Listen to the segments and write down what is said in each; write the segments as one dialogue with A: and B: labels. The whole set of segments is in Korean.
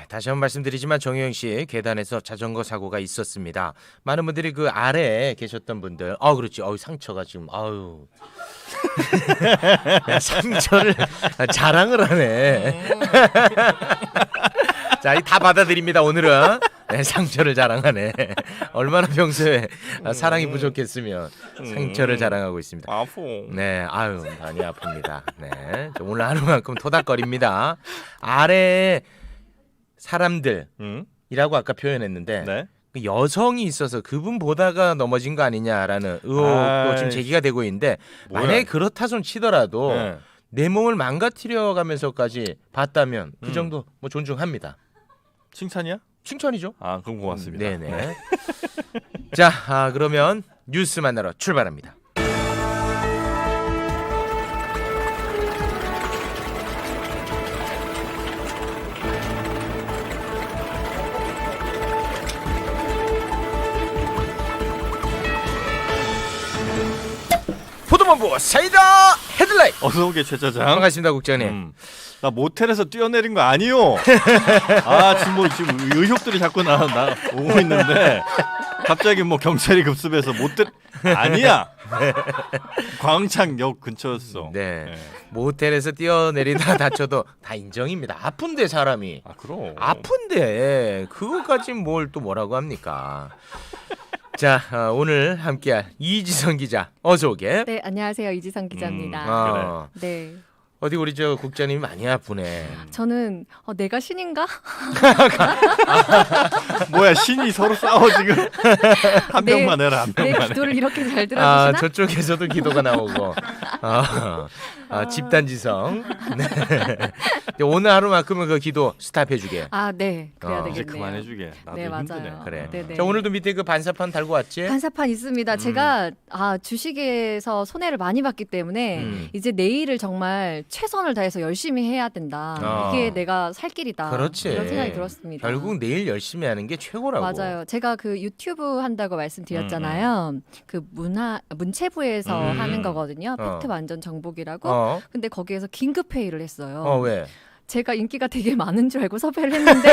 A: 다시 한번 말씀드리지만 정효영 씨 계단에서 자전거 사고가 있었습니다. 많은 분들이 그 아래에 계셨던 분들, 그렇지, 상처가 지금, 야, 상처를 자랑을 하네. 자, 다 받아들입니다. 오늘은 네, 상처를 자랑하네. 얼마나 평소에 사랑이 부족했으면 상처를 자랑하고 있습니다.
B: 아프.
A: 네, 많이 아픕니다. 네, 오늘 하루만큼 토닥거립니다. 아래 사람들이라고 아까 표현했는데
B: 네.
A: 그 여성이 있어서 그분 보다가 넘어진 거 아니냐라는 의혹도 지금 제기가 되고 있는데 만약에 그렇다 손 치더라도
B: 네.
A: 내 몸을 망가뜨려가면서까지 봤다면 그 정도 뭐 존중합니다.
B: 칭찬이야?
A: 칭찬이죠.
B: 그럼 고맙습니다.
A: 네네. 자, 그러면 뉴스 만나러 출발합니다. 포도본부 사이다 헤드라인.
B: 어서 오게 최 차장.
A: 반갑습니다, 국장님.
B: 나 모텔에서 뛰어내린 거 아니요. 지금 의혹들이 자꾸 나 오고 있는데 갑자기 뭐 경찰이 급습해서 모텔 아니야. 광창역 근처였어.
A: 네. 모텔에서 뛰어내리다 다쳐도 다 인정입니다. 아픈데 사람이.
B: 그럼.
A: 아픈데 그거까지 뭘 또 뭐라고 합니까? 자, 오늘 함께할 이지선 기자 어서 오게.
C: 네, 안녕하세요. 이지선 기자입니다.
B: 그래.
C: 네.
A: 어디 우리 저 국장님이 많이 아프네.
C: 저는 내가 신인가?
B: 뭐야 신이 서로 싸워 지금. 한 명만 해라 한
C: 내
B: 명만 해.
C: 기도를 이렇게 잘 들어주시나?
A: 저쪽에서도 기도가 나오고. 집단지성. 네. 오늘 하루만큼은 그 기도 스탑해주게.
C: 네. 그래야 되겠네요.
B: 이제 그만해주게. 나도
C: 네, 맞아요.
B: 힘드네.
A: 그래.
C: 네네.
A: 자, 오늘도 밑에 그 반사판 달고 왔지?
C: 반사판 있습니다. 제가 주식에서 손해를 많이 봤기 때문에 이제 내일을 정말 최선을 다해서 열심히 해야 된다. 이게 내가 살 길이다.
A: 그렇지.
C: 이런 생각이 들었습니다.
A: 결국 내일 열심히 하는 게 최고라고.
C: 맞아요. 제가 그 유튜브 한다고 말씀드렸잖아요. 그 문체부에서 하는 거거든요. 팩트 완전 정복이라고. 근데 거기에서 긴급 회의를 했어요.
A: 왜?
C: 제가 인기가 되게 많은 줄 알고 섭외를 했는데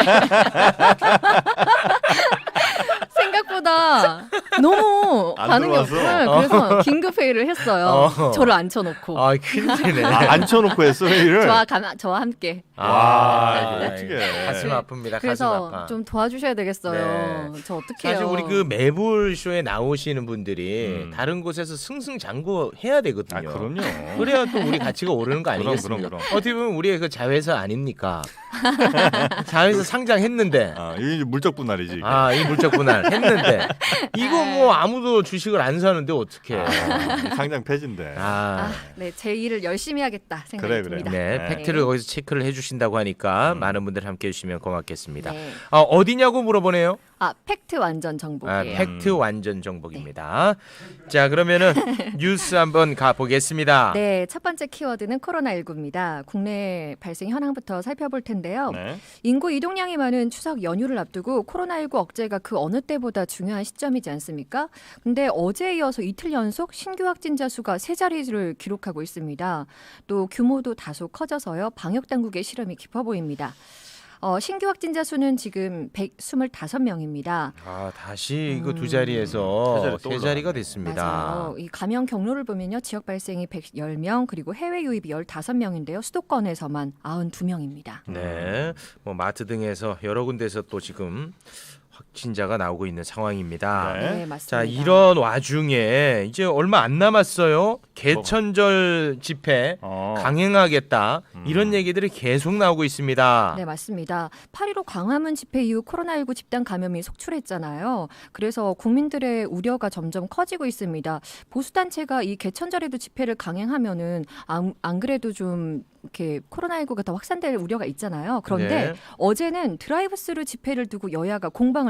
C: 생각보다 너무
B: 안
C: 반응이
B: 들어와서?
C: 없어요. 그래서 긴급 회의를 했어요. 저를 앉혀놓고
A: 큰일이네.
B: 앉혀놓고 했어 회의를.
C: 저와 함께.
B: 와, 이거 어떡해.
A: 가슴 아픕니다. 가슴
C: 그래서
A: 아파.
C: 좀 도와주셔야 되겠어요. 저 어떡해요.
A: 사실 우리 그 매불 쇼에 나오시는 분들이 다른 곳에서 승승장구 해야 되거든요.
B: 그럼요.
A: 그래야 또 우리 가치가 오르는 거 아니겠습니까?
B: 그럼.
A: 어떻게 보면 우리의 그 자회사 아닙니까? 자회사 상장했는데.
B: 이게 물적 분할이지. 이게.
A: 이 물적 분할 했는데 이거 뭐 아무도 주식을 안 사는데 어떡해.
B: 상장 폐지인데.
C: 네, 제 일을 열심히 하겠다 생각이 듭니다.
A: 네, 팩트를 거기서 체크를 해주신다고 하니까 많은 분들 함께 해주시면 고맙겠습니다.
C: 네.
A: 어디냐고 물어보네요.
C: 팩트 완전 정복이에요.
A: 팩트 완전 정복입니다. 자, 그러면은 뉴스 한번 가보겠습니다.
C: 네, 첫 번째 키워드는 코로나19입니다. 국내 발생 현황부터 살펴볼 텐데요.
B: 네.
C: 인구 이동량이 많은 추석 연휴를 앞두고 코로나19 억제가 그 어느 때보다 중요한 시점이지 않습니까? 근데 어제에 이어서 이틀 연속 신규 확진자 수가 세 자리를 기록하고 있습니다. 또 규모도 다소 커져서요. 방역 당국의 실험이 깊어 보입니다. 신규 확진자 수는 지금 125명입니다.
A: 다시 이거 두 자리에서 세 자리가 됐습니다.
C: 맞아요. 이 감염 경로를 보면요. 지역 발생이 110명, 그리고 해외 유입이 15명인데요. 수도권에서만 92명입니다.
A: 네, 뭐 마트 등에서 여러 군데서 또 지금 확진자가 나오고 있는 상황입니다.
C: 네, 맞습니다.
A: 자, 이런 와중에 이제 얼마 안 남았어요. 개천절 집회 강행하겠다. 이런 얘기들이 계속 나오고 있습니다.
C: 네, 맞습니다. 8.15 광화문 집회 이후 코로나19 집단 감염이 속출했잖아요. 그래서 국민들의 우려가 점점 커지고 있습니다. 보수단체가 이 개천절에도 집회를 강행하면은 안 그래도 좀 이렇게 코로나19가 더 확산될 우려가 있잖아요. 그런데 어제는 드라이브스루 집회를 두고 여야가 공방을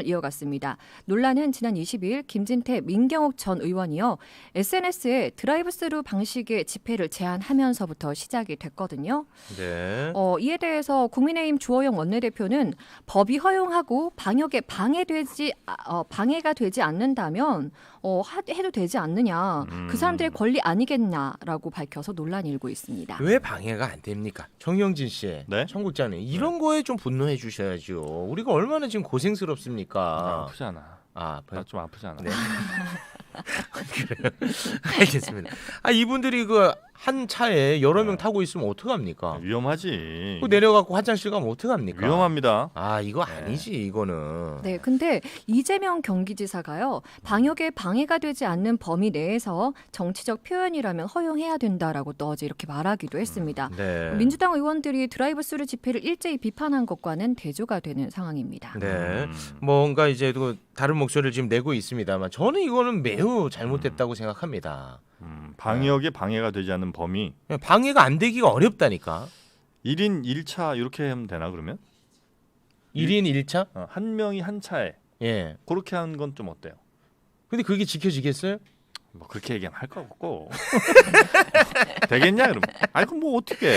C: 공방을 이어갔습니다. 논란은 지난 22일 김진태, 민경욱 전 의원이요. SNS에 드라이브스루 방식의 집회를 제안하면서부터 시작이 됐거든요.
A: 네.
C: 이에 대해서 국민의힘 주호영 원내대표는 법이 허용하고 방역에 방해가 되지 않는다면 해도 되지 않느냐. 그 사람들의 권리 아니겠냐라고 밝혀서 논란이 일고 있습니다.
A: 왜 방해가 안 됩니까? 정영진 씨,
B: 네?
A: 청국장님 이런 거에 좀 분노해 주셔야죠. 우리가 얼마나 지금 고생스럽습니까?
B: 아프잖아.
A: 아,
B: 나 좀 아프잖아.
A: 네. 그래요. 알겠습니다. 이분들이 그 한 차에 여러 명 타고 있으면 어떡합니까?
B: 위험하지.
A: 그 내려갖고 화장실 가면 어떡합니까?
B: 위험합니다.
A: 이거 아니지 이거는.
C: 네, 근데 이재명 경기지사가요. 방역에 방해가 되지 않는 범위 내에서 정치적 표현이라면 허용해야 된다라고 또 어제 이렇게 말하기도 했습니다.
A: 네.
C: 민주당 의원들이 드라이브스루 집회를 일제히 비판한 것과는 대조가 되는 상황입니다.
A: 네. 뭔가 이제 또 다른 목소리를 지금 내고 있습니다만 저는 이거는 매우 잘못됐다고 생각합니다.
B: 방역에 방해가 되지 않는 범위.
A: 방해가 안 되기가 어렵다니까.
B: 1인 1차 이렇게 하면 되나 그러면?
A: 1인 1차?
B: 한 명이 한 차에.
A: 예.
B: 그렇게 하는 건 좀 어때요?
A: 근데 그게 지켜지겠어요?
B: 뭐 그렇게 얘기하면 할 거 없고. 되겠냐 그러면? 그럼 뭐 어떻게?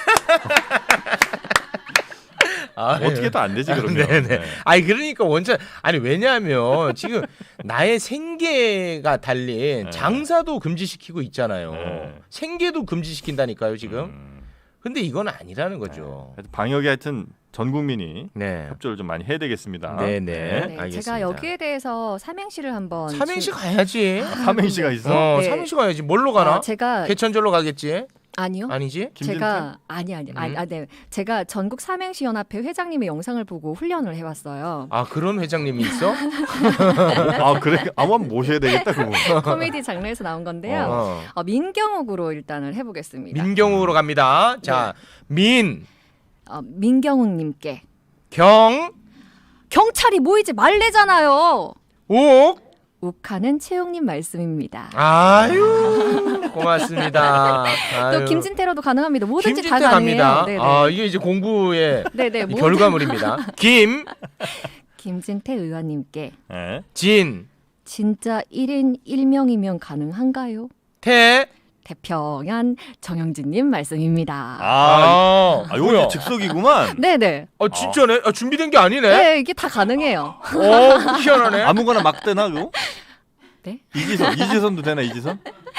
B: 어떻게도 안 되지 그러면.
A: 네네.
B: 네.
A: 그러니까 원천 왜냐하면 지금 나의 생계가 달린
B: 네.
A: 장사도 금지시키고 있잖아요.
B: 네.
A: 생계도 금지시킨다니까요 지금. 근데 이건 아니라는 거죠.
B: 그래서 방역에 하여튼 전 국민이
A: 네.
B: 협조를 좀 많이 해야 되겠습니다.
A: 네네.
C: 네,
A: 알겠습니다.
C: 제가 여기에 대해서 삼행시를 한번
A: 삼행시 가야지.
B: 삼행시가 있어?
C: 네.
A: 삼행시 가야지. 뭘로 가나?
C: 제가
A: 개천절로 가겠지?
C: 아니요.
A: 아니지?
B: 김진태?
C: 제가 네. 제가 전국 삼행시 연합회 회장님의 영상을 보고 훈련을 해왔어요.
A: 그런 회장님이 있어?
B: 그래? 한번 모셔야 되겠다 그거.
C: 코미디 장르에서 나온 건데요. 민경욱으로 일단을 해보겠습니다.
A: 민경욱으로 갑니다. 자,
C: 민경욱님께 경찰이 모이지 말래잖아요.
A: 욱
C: 욱하는 채용님 말씀입니다.
A: 아유 고맙습니다.
C: 또 김진태로도 가능합니다. 뭐든지 다
A: 김진태
C: 가능해요.
A: 갑니다.
C: 네네.
A: 이게 이제 공부의
C: 네네.
A: 결과물입니다.
C: 김진태 의원님께
B: 네.
C: 진짜 1인 1명이면 가능한가요? 태평한 정영진님 말씀입니다.
B: 요거 즉석이구만.
C: 네네.
A: 진짜네? 준비된 게 아니네?
C: 네, 이게 다 가능해요.
A: 희한하네.
B: 아무거나 막 되나 그거?
C: 네?
B: 이지선도 되나 이지선?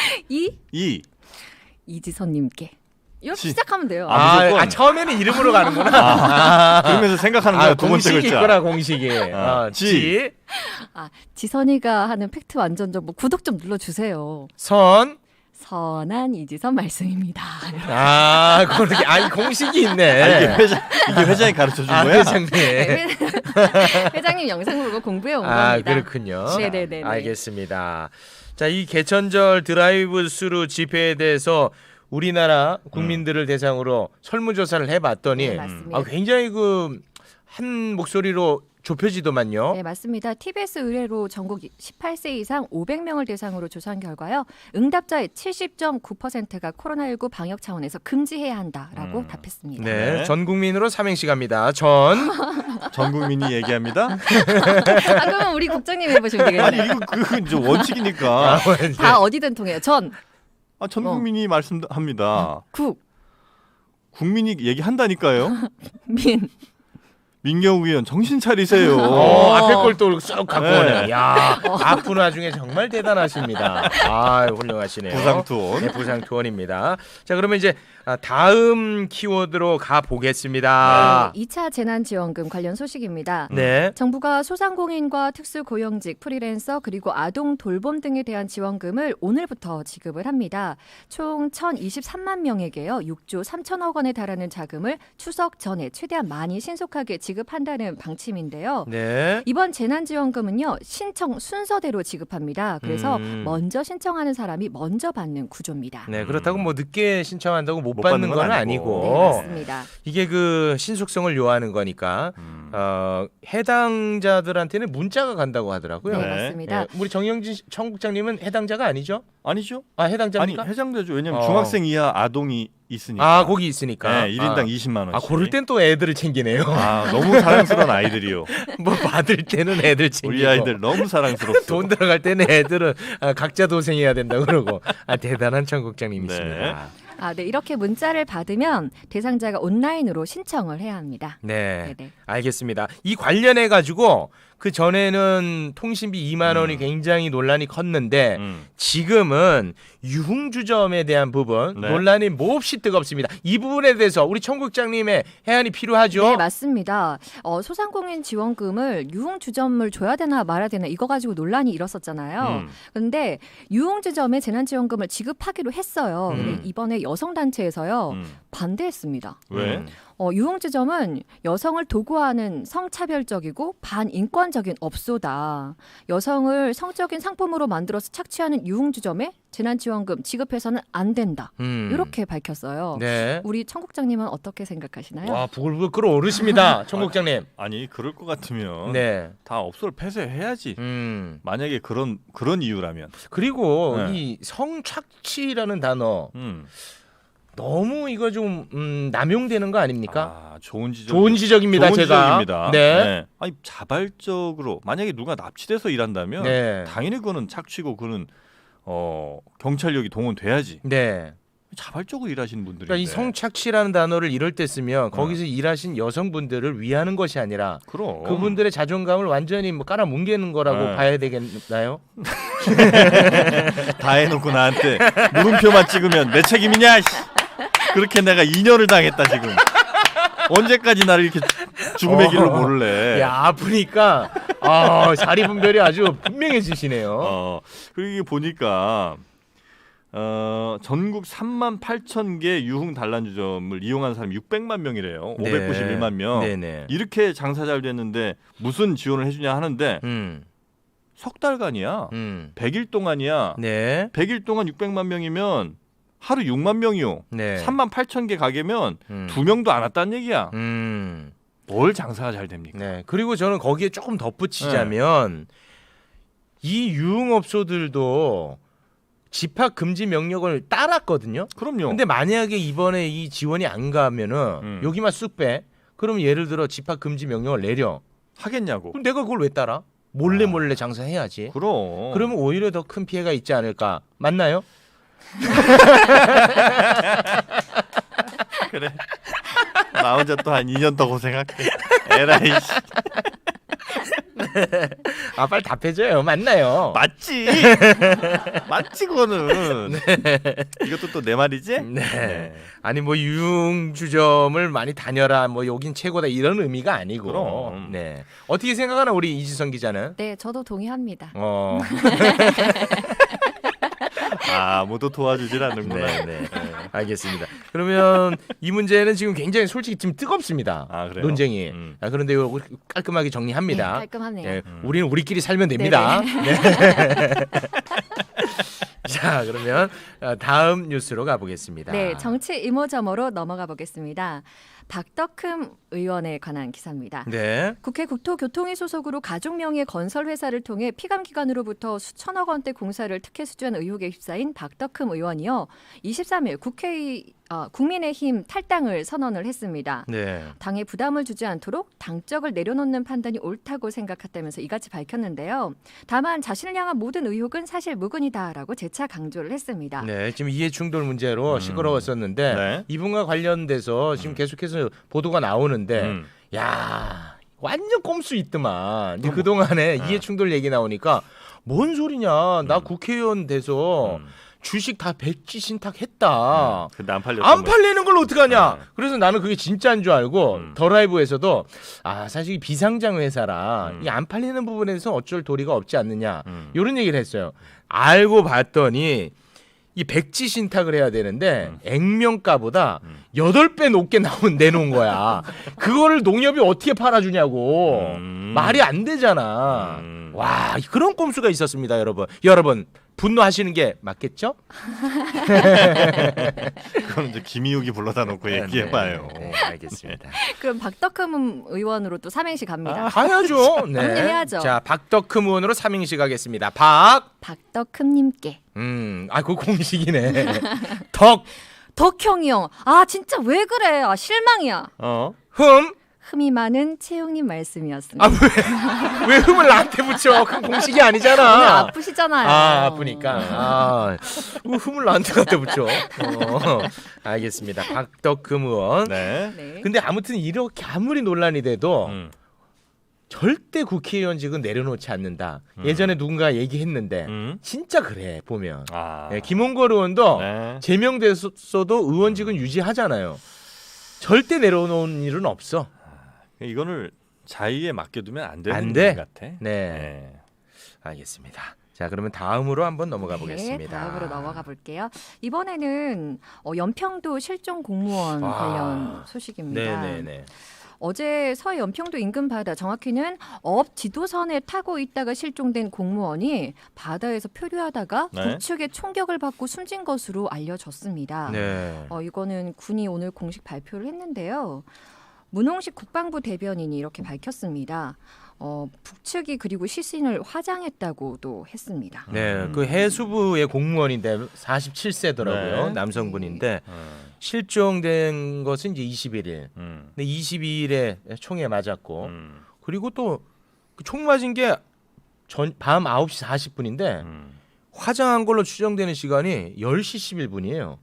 C: 이지선님께 이렇게
B: 지.
C: 시작하면 돼요.
B: 무조건.
A: 처음에는 이름으로 가는구나.
B: 그러면서 생각하는 거야 두 번째
A: 공식이
B: 글자.
A: 있구나 공식이.
B: 지.
C: 지선이가 하는 팩트 완전 정보 구독 좀 눌러주세요. 선한 이지선 말씀입니다.
A: 그렇게 공식이 있네.
B: 이게 회장이 가르쳐 준 거야?
A: 회장님.
C: 네, 회장님 영상 보고 공부해 온 겁니다.
A: 그렇군요.
C: 네네네.
A: 알겠습니다. 자, 이 개천절 드라이브 스루 집회에 대해서 우리나라 국민들을 대상으로 설문조사를 해봤더니
C: 네, 맞습니다.
A: 굉장히 한 목소리로 좁혀지더만요.
C: 네, 맞습니다. TBS 의뢰로 전국 18세 이상 500명을 대상으로 조사한 결과요. 응답자의 70.9%가 코로나19 방역 차원에서 금지해야 한다라고 답했습니다.
A: 네, 전 국민으로 삼행시 갑니다.
B: 전 국민이 얘기합니다.
C: 그러면 우리 국장님 해보시면 되겠네요.
B: 이거 그건 원칙이니까.
C: 다 어디든 통해요. 전
B: 국민이 말씀합니다. 국민이 얘기한다니까요. 민경욱 의원 정신 차리세요.
A: 앞에 걸 또 쏙 갖고 오네. 야, 앞분 와중에 정말 대단하십니다. 훌륭하시네요.
B: 부상투원.
A: 네, 부상투원입니다. 자, 그러면 이제 다음 키워드로 가 보겠습니다.
C: 2차 재난지원금 관련 소식입니다.
A: 네.
C: 정부가 소상공인과 특수고용직, 프리랜서 그리고 아동 돌봄 등에 대한 지원금을 오늘부터 지급을 합니다. 총 1,023만 명에게요. 6조 3천억 원에 달하는 자금을 추석 전에 최대한 많이 신속하게 지급한다는 방침인데요.
A: 네.
C: 이번 재난지원금은요. 신청 순서대로 지급합니다. 그래서 먼저 신청하는 사람이 먼저 받는 구조입니다.
A: 네, 그렇다고 늦게 신청한다고 못 받는 건 아니고.
C: 네, 맞습니다.
A: 이게 신속성을 요하는 거니까 해당자들한테는 문자가 간다고 하더라고요.
C: 네,
B: 네.
C: 맞습니다.
A: 예, 우리 정영진 청국장님은 해당자가 아니죠?
B: 아니죠?
A: 아 해당자입니까?
B: 아니 해당되죠. 왜냐면
A: 어.
B: 중학생 이하 아동이 있으니까.
A: 아 거기 있으니까.
B: 네, 1인당 20만 원씩.
A: 아 고를 땐 또 애들을 챙기네요.
B: 아, 너무 사랑스러운 아이들이요.
A: 뭐 받을 때는 애들 챙기고
B: 우리 아이들 너무 사랑스럽소.
A: 돈 들어갈 때는 애들은 각자 도생해야 된다 그러고 대단한 청국장님이십니다.
C: 네, 이렇게 문자를 받으면 대상자가 온라인으로 신청을 해야 합니다.
A: 네,
C: 네네.
A: 알겠습니다. 이 관련해 가지고 그 전에는 통신비 2만 원이 굉장히 논란이 컸는데 지금은 유흥주점에 대한 부분
B: 네.
A: 논란이 몹시 뜨겁습니다. 이 부분에 대해서 우리 청국장님의 해안이 필요하죠?
C: 네, 맞습니다. 소상공인 지원금을 유흥주점을 줘야 되나 말아야 되나 이거 가지고 논란이 일었었잖아요. 그런데 유흥주점에 재난지원금을 지급하기로 했어요. 근데 이번에 여성단체에서요 반대했습니다.
B: 왜?
C: 유흥주점은 여성을 도구화하는 성차별적이고 반인권적인 업소다. 여성을 성적인 상품으로 만들어서 착취하는 유흥주점에 재난지원금 지급해서는 안 된다. 이렇게 밝혔어요.
A: 네.
C: 우리 청국장님은 어떻게 생각하시나요?
A: 와 부글부글 끓어오르십니다, 청국장님.
B: 아니 그럴 것 같으면
A: 네.
B: 다 업소를 폐쇄해야지. 만약에 그런 이유라면.
A: 그리고
B: 네.
A: 이 성착취라는 단어
B: 음.
A: 너무 이거 좀 남용되는 거 아닙니까?
B: 아, 좋은 지적.
A: 좋은 지적입니다,
B: 좋은
A: 제가.
B: 지적입니다.
A: 네.
B: 아니 자발적으로 만약에 누가 납치돼서 일한다면
A: 네.
B: 당연히 그거는 착취고 그는 경찰력이 동원돼야지.
A: 네.
B: 자발적으로 일하시는 분들이.
A: 그러니까 이 성착취라는 단어를 이럴 때 쓰면 거기서 일하신 여성분들을 위하는 것이 아니라
B: 그럼
A: 그분들의 자존감을 완전히 뭐 깔아뭉개는 거라고
B: 네.
A: 봐야 되겠나요?
B: 다 해놓고 나한테 물음표만 찍으면 내 책임이냐? 씨. 그렇게 내가 2년을 당했다 지금. 언제까지 나를 이렇게 죽음의 길로 모를래?
A: 야 아프니까 자리 분별이 아주 분명해지시네요.
B: 그리고 이게 보니까 전국 3만 8천 개 유흥 단란주점을 이용한 사람이 600만 명이래요. 591만 명.
A: 네네.
B: 이렇게 장사 잘 됐는데 무슨 지원을 해주냐 하는데 석 달간이야. 100일 동안이야.
A: 네.
B: 100일 동안 600만 명이면 하루 6만 명이요.
A: 네.
B: 3만 8천 개 가게면 2명도 안 왔다는 얘기야.
A: 음.
B: 뭘 장사가 잘 됩니까?
A: 네. 그리고 저는 거기에 조금 덧붙이자면 이 유흥업소들도 집합 금지 명령을 따랐거든요.
B: 그럼요.
A: 근데 만약에 이번에 이 지원이 안 가면은 여기만 쑥 빼. 그럼 예를 들어 집합 금지 명령을 내려.
B: 하겠냐고.
A: 그럼 내가 그걸 왜 따라? 몰래 장사해야지.
B: 그럼.
A: 그러면 오히려 더 큰 피해가 있지 않을까. 맞나요?
B: 그래. 나 혼자 또 한 2년 더 고생할게. 에라이 씨.
A: 빨리 답해줘요. 맞나요?
B: 맞지. 맞지 그거는. 이것도 또 내 말이지?
A: 네. 아니 뭐 유흥주점을 많이 다녀라. 뭐 여긴 최고다 이런 의미가 아니고.
B: 그럼.
A: 네. 어떻게 생각하나 우리 이지선 기자는?
C: 네, 저도 동의합니다.
B: 아무도 도와주질 않는구나.
A: 네. 알겠습니다. 그러면 이 문제는 지금 굉장히 솔직히 지금 뜨겁습니다.
B: 아, 그래요?
A: 논쟁이. 그런데 이거 깔끔하게 정리합니다.
C: 네, 깔끔하네요.
A: 네, 우리는 우리끼리 살면 됩니다. 네. 자, 그러면 다음 뉴스로 가보겠습니다.
C: 네, 정치 이모저모로 넘어가 보겠습니다. 박덕흠 의원에 관한 기사입니다.
A: 네.
C: 국회 국토교통위 소속으로 가족 명의 건설 회사를 통해 피감기관으로부터 수천억 원대 공사를 특혜 수주한 의혹에 휩싸인 박덕흠 의원이요. 23일 국민의힘 탈당을 선언을 했습니다.
A: 네.
C: 당에 부담을 주지 않도록 당적을 내려놓는 판단이 옳다고 생각했다면서 이같이 밝혔는데요. 다만 자신을 향한 모든 의혹은 사실 무근이다라고 재차 강조를 했습니다.
A: 네, 지금 이해충돌 문제로 시끄러웠었는데
B: 네.
A: 이분과 관련돼서 지금 계속해서 보도가 나오는데 야 완전 꼼수 있더만. 근데 그동안에 이해충돌 얘기 나오니까 뭔 소리냐. 나 국회의원 돼서 주식 다 백지 신탁했다.
B: 근데 안 팔렸던
A: 안 팔리는 걸 어떡하냐.
B: 네.
A: 그래서 나는 그게 진짜인 줄 알고 더 라이브에서도 사실 이 비상장 회사라 이 안 팔리는 부분에서 어쩔 도리가 없지 않느냐 이런 얘기를 했어요. 알고 봤더니 이 백지 신탁을 해야 되는데 액면가보다 8배 높게 내놓은 거야. 그거를 농협이 어떻게 팔아주냐고. 말이 안 되잖아. 와, 그런 꼼수가 있었습니다, 여러분. 여러분 분노하시는 게 맞겠죠?
B: 그건 이제 김희욱이 불러다 놓고 얘기해봐요.
A: 네, 알겠습니다.
C: 그럼 박덕흠 의원으로 또 삼행시 갑니다.
A: 가야죠. 네.
C: 해야죠.
A: 자, 박덕흠 의원으로 삼행시 가겠습니다.
C: 박덕흠님께.
A: 그거 공식이네. 덕,
C: 덕형이 형. 아 진짜 왜 그래? 아 실망이야.
A: 흠.
C: 흠이 많은 채용님 말씀이었습니다.
A: 왜 흠을 나한테 붙여? 그건 공식이 아니잖아.
C: 오늘 아프시잖아요.
A: 아프니까. 흠을 나한테 갖다 붙여. 알겠습니다. 박덕흠 의원.
B: 네.
C: 네.
A: 근데 아무튼 이렇게 아무리 논란이 돼도 절대 국회의원직은 내려놓지 않는다. 예전에 누군가 얘기했는데 진짜 그래 보면. 김홍걸 의원도
B: 네.
A: 제명됐어도 의원직은 유지하잖아요. 절대 내려놓은 일은 없어.
B: 이거를 자의에 맡겨두면 안 되는
A: 안 돼?
B: 일 같아.
A: 네. 알겠습니다. 자, 그러면 다음으로 한번 넘어가
C: 네,
A: 보겠습니다.
C: 다음으로 넘어가 볼게요. 이번에는 연평도 실종 공무원 관련 소식입니다.
A: 네네네.
C: 어제 서해 연평도 인근 바다, 정확히는 업 지도선에 타고 있다가 실종된 공무원이 바다에서 표류하다가
B: 네.
C: 북측의 총격을 받고 숨진 것으로 알려졌습니다.
A: 네.
C: 이거는 군이 오늘 공식 발표를 했는데요. 문홍식 국방부 대변인이 이렇게 밝혔습니다. 북측이 그리고 시신을 화장했다고도 했습니다.
A: 네, 그 해수부의 공무원인데 47세더라고요.
B: 네.
A: 남성분인데 실종된 것은 이제 21일. 근데 22일에 총에 맞았고 그리고 또 총 맞은 게 밤 9시 40분인데 화장한 걸로 추정되는 시간이 10시 11분이에요.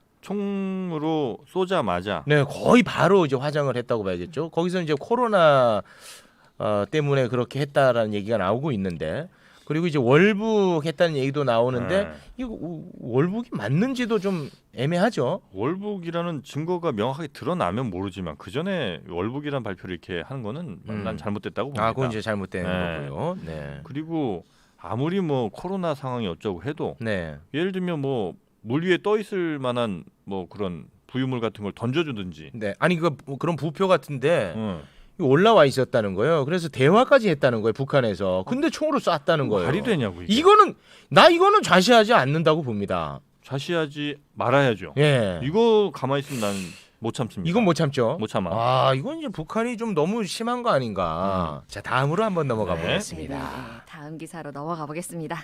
B: 총으로 쏘자마자
A: 네, 거의 바로 이제 화장을 했다고 봐야겠죠. 거기서 이제 코로나 때문에 그렇게 했다라는 얘기가 나오고 있는데, 그리고 이제 월북했다는 얘기도 나오는데
B: 네.
A: 이거 월북이 맞는지도 좀 애매하죠.
B: 월북이라는 증거가 명확하게 드러나면 모르지만 그 전에 월북이라는 발표를 이렇게 하는 거는 난 잘못됐다고 봅니다.
A: 그건 이제 잘못된
B: 네.
A: 거고요. 네.
B: 그리고 아무리 뭐 코로나 상황이 어쩌고 해도
A: 네.
B: 예를 들면 뭐 물 위에 떠 있을 만한 뭐 그런 부유물 같은 걸 던져주든지.
A: 네. 아니 그런 부표 같은데
B: 응.
A: 올라와 있었다는 거예요. 그래서 대화까지 했다는 거예요, 북한에서. 근데 총으로 쐈다는 거예요.
B: 말이 되냐고 이게.
A: 이거는 좌시하지 않는다고 봅니다.
B: 좌시하지 말아야죠.
A: 예.
B: 이거 가만히 있으면 나는 못 참습니다.
A: 이건 못 참죠.
B: 못 참아.
A: 이건 이제 북한이 좀 너무 심한 거 아닌가. 자, 다음으로 한번 넘어가
B: 네.
A: 보겠습니다.
C: 네, 다음 기사로 넘어가 보겠습니다.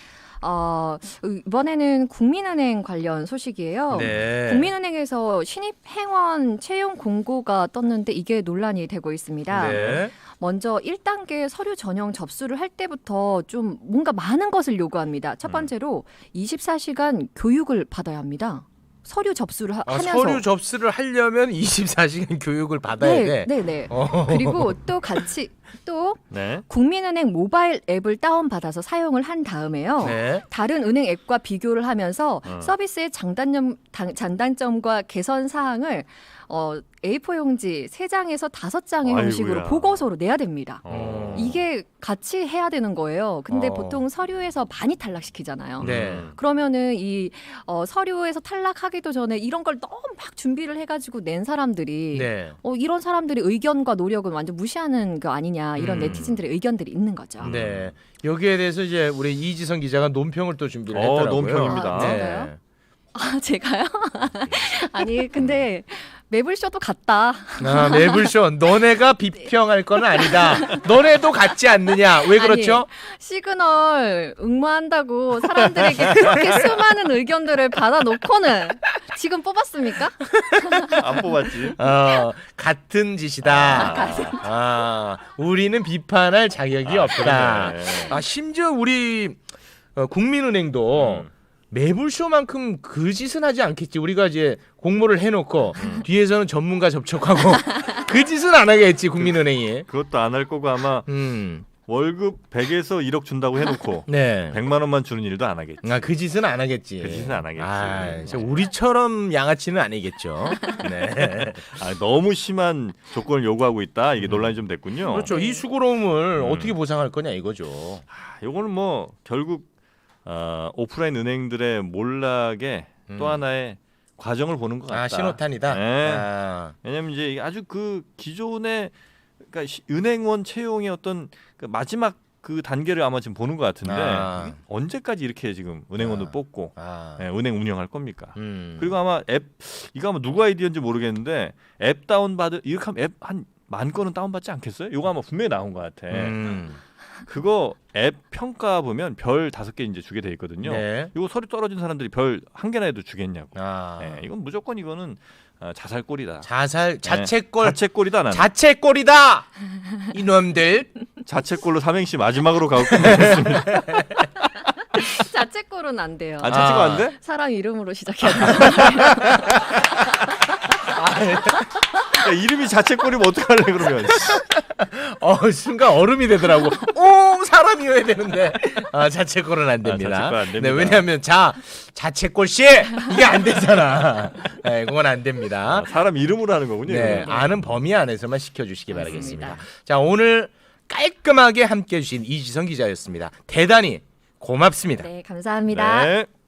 C: 이번에는 국민은행 관련 소식이에요.
A: 네.
C: 국민은행에서 신입 행원 채용 공고가 떴는데 이게 논란이 되고 있습니다.
A: 네.
C: 먼저 1단계 서류 전형 접수를 할 때부터 좀 뭔가 많은 것을 요구합니다. 첫 번째로 24시간 교육을 받아야 합니다. 서류 접수를 하면서.
A: 서류 접수를 하려면 24시간 교육을 받아야 돼.
C: 네. 그리고 또 같이
B: 네.
C: 국민은행 모바일 앱을 다운받아서 사용을 한 다음에요.
A: 네.
C: 다른 은행 앱과 비교를 하면서 서비스의 장단점과 개선 사항을 A4 용지 3장에서 5장의 형식으로 보고서로 내야 됩니다. 이게 같이 해야 되는 거예요. 근데 보통 서류에서 많이 탈락시키잖아요.
A: 네.
C: 그러면은 이 서류에서 탈락하기도 전에 이런 걸 너무 막 준비를 해가지고 낸 사람들이
A: 네.
C: 이런 사람들의 의견과 노력은 완전 무시하는 거 아니냐 이런 네티즌들의 의견들이 있는 거죠.
A: 네. 여기에 대해서 이제 우리 이지성 기자가 논평을 또 준비를 했더라고요.
B: 논평입니다.
C: 진짜요? 제가요? 아니 근데 매블쇼도 같다.
A: 매블쇼 너네가 비평할 건 아니다. 너네도 같지 않느냐? 왜 그렇죠?
C: 아니, 시그널 응모한다고 사람들에게 그렇게 수많은 의견들을 받아놓고는 지금 뽑았습니까?
B: 안 뽑았지.
A: 같은 짓이다. 우리는 비판할 자격이 없다.
B: 그러네.
A: 심지어 우리 국민은행도 매불쇼만큼 그 짓은 하지 않겠지. 우리가 이제 공모를 해놓고 뒤에서는 전문가 접촉하고 그 짓은 안 하겠지 국민은행이.
B: 그것도 안 할 거고 아마 월급 100에서 1억 준다고 해놓고
A: 네.
B: 100만 원만 주는 일도 안 하겠지.
A: 그 짓은 안 하겠지.
B: 그 짓은 안 하겠지.
A: 진짜 우리처럼 양아치는 아니겠죠. 네.
B: 너무 심한 조건을 요구하고 있다. 이게 논란이 좀 됐군요.
A: 그렇죠. 이 수고로움을 어떻게 보상할 거냐 이거죠.
B: 요거는 뭐 결국 오프라인 은행들의 몰락의 또 하나의 과정을 보는 것 같다.
A: 신호탄이다.
B: 네. 왜냐하면 이제 아주 그 기존의 그러니까 은행원 채용의 어떤 그 마지막 그 단계를 아마 지금 보는 것 같은데
A: 아.
B: 이게 언제까지 이렇게 지금 은행원도
A: 아.
B: 뽑고
A: 아.
B: 네, 은행 운영할 겁니까?
A: 음.
B: 그리고 아마 이거 아마 누구 아이디어인지 모르겠는데 앱 다운받을 이렇게 하면 앱 한 10,000건은 다운받지 않겠어요? 이거 아마 분명히 나온 것 같아. 그거 앱 평가 보면 별 5개 이제 주게 돼 있거든요.
A: 네.
B: 이거 서류 떨어진 사람들이 별 1개나 해도 주겠냐고.
A: 아.
B: 네, 이건 무조건 이거는 자살골이다.
A: 자책골
B: 자책골이다 나는.
A: 자책골이다. 이놈들.
B: 자책골로 삼행시 마지막으로 가고 끝내겠습니다.
C: 자책골은 안 돼요.
B: 아, 자책골 안 돼?
C: 사람 이름으로 시작해야 돼요.
B: 야, 이름이 자책골이면 어떡할래 그러면.
A: 순간 얼음이 되더라고. 오 사람이어야 되는데 자책골은 안 됩니다.
B: 자책골 안 됩니다.
A: 네, 왜냐하면 자책골 씨 이게 안 되잖아. 네, 그건 안 됩니다.
B: 사람 이름으로 하는 거군요.
A: 네,
B: 이거는.
A: 아는 범위 안에서만 시켜주시기
C: 맞습니다.
A: 바라겠습니다. 자, 오늘 깔끔하게 함께해 주신 이지성 기자였습니다. 대단히 고맙습니다.
C: 네, 감사합니다.
B: 네.